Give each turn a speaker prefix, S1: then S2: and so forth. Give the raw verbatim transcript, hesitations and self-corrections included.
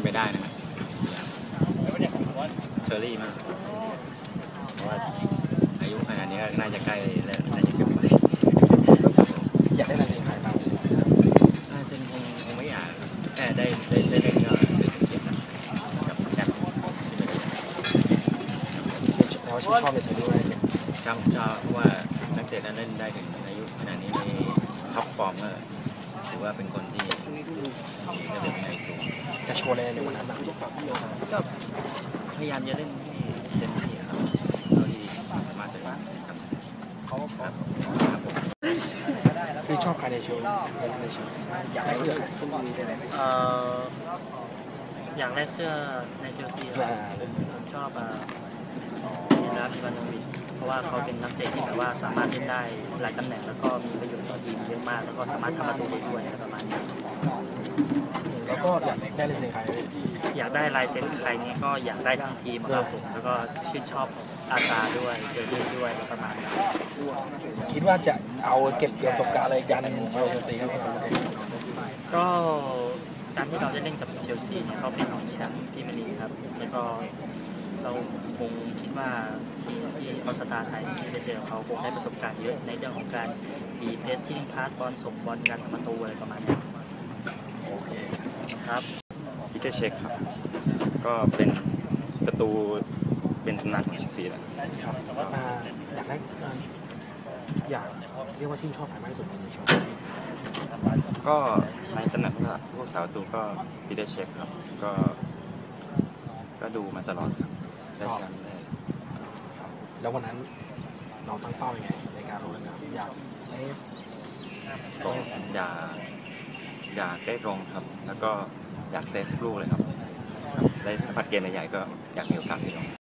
S1: ไปได้นะครับเชอรี่มากเพราะว่าอายุขนาดนี้ก็น่าจะใกล้แล้วน่าจะเก็บไว้
S2: อยากได้อะไรในใครบ้าง
S1: น่าจะคงคงไม่อยากแค่ได้ได้ได้เล่นก็รู้สึกเกียรติกับแชมป์ที่ไม่ได้
S2: แล้วชื่นชอบในตัวด้วย
S1: ชอบชอบเพราะว่านักเตะนั้นเล่นได้ถึงอายุขนาดนี้ในท็อปฟอร์มก็ถือว่าเป็นคนที่ระดับในสูง
S2: จะโชว์อะไรในวันนั้น
S1: ก็พยายามจะเล่นให้เต็มที่ครับเท่าที่สามารถจะทำครับ
S2: คือชอบใครในเชลในเชลซีอยากได้เสื้อ
S3: เอ่ออย่างแรกเสื้อในเชลซีผมชอบเนลาอิวานโนวิชเพราะว่าเขาเป็นนักเตะที่แบบว่าสามารถเล่นได้หลายตำแหน่งแล้วก็มีประโยชน์ต่อทีมเยอะมากแล้วก็สามารถทำประตูได้ด้วยประมาณนี้
S2: แล้วก็อยากได้ลายเซ็นใคร
S3: อยากได้ลายเซ็นใครนี้ก็อยากได้ทั้งทีมครับผมแล้วก็ชื่นชอบอาซาด้วยเกิดขึ้นด้วยประมาณนี้
S2: คิดว่าจะเอาเก็บประสบการณ์อะไรกันเชลซีครับ
S3: ก็การที่เราจะเล่นกับเชลซีเนี่ยเขาเป็นแชมป์พรีเมียร์ลีกครับแล้วก็เราคงคิดว่าทีมที่ออสตาไทยที่จะเจอเขาคงได้ประสบการณ์เยอะในเรื่องของการบีเพสซิ่งพาสบอลส่งบอลการทำประตูอะไรประมาณนี้
S2: โอเค
S3: ครับ
S1: พีเตอร์เช็คครับก็เป็นประตูเป็นตำนานของเชลซีแล้ว
S2: ครับอยากได้อยากเรียกว่าที่ชอบใครมากที่สุด
S1: ก็ในตำแหน่งผู้สาวประตูก็พีเตอร์เช็คครับก็ก็ดูมาตลอดครับได้แชมป์ได้
S2: แล้ววันนั้นเราตั้งเป้ายังไงในการลงสนามอยากเซฟ
S1: ก็อยากอยากได้ลงครับแล้วก็อยากเซฟลูกเลยครับได้ผัดเกมใหญ่ๆก็อยากมีโอกาสที่ลง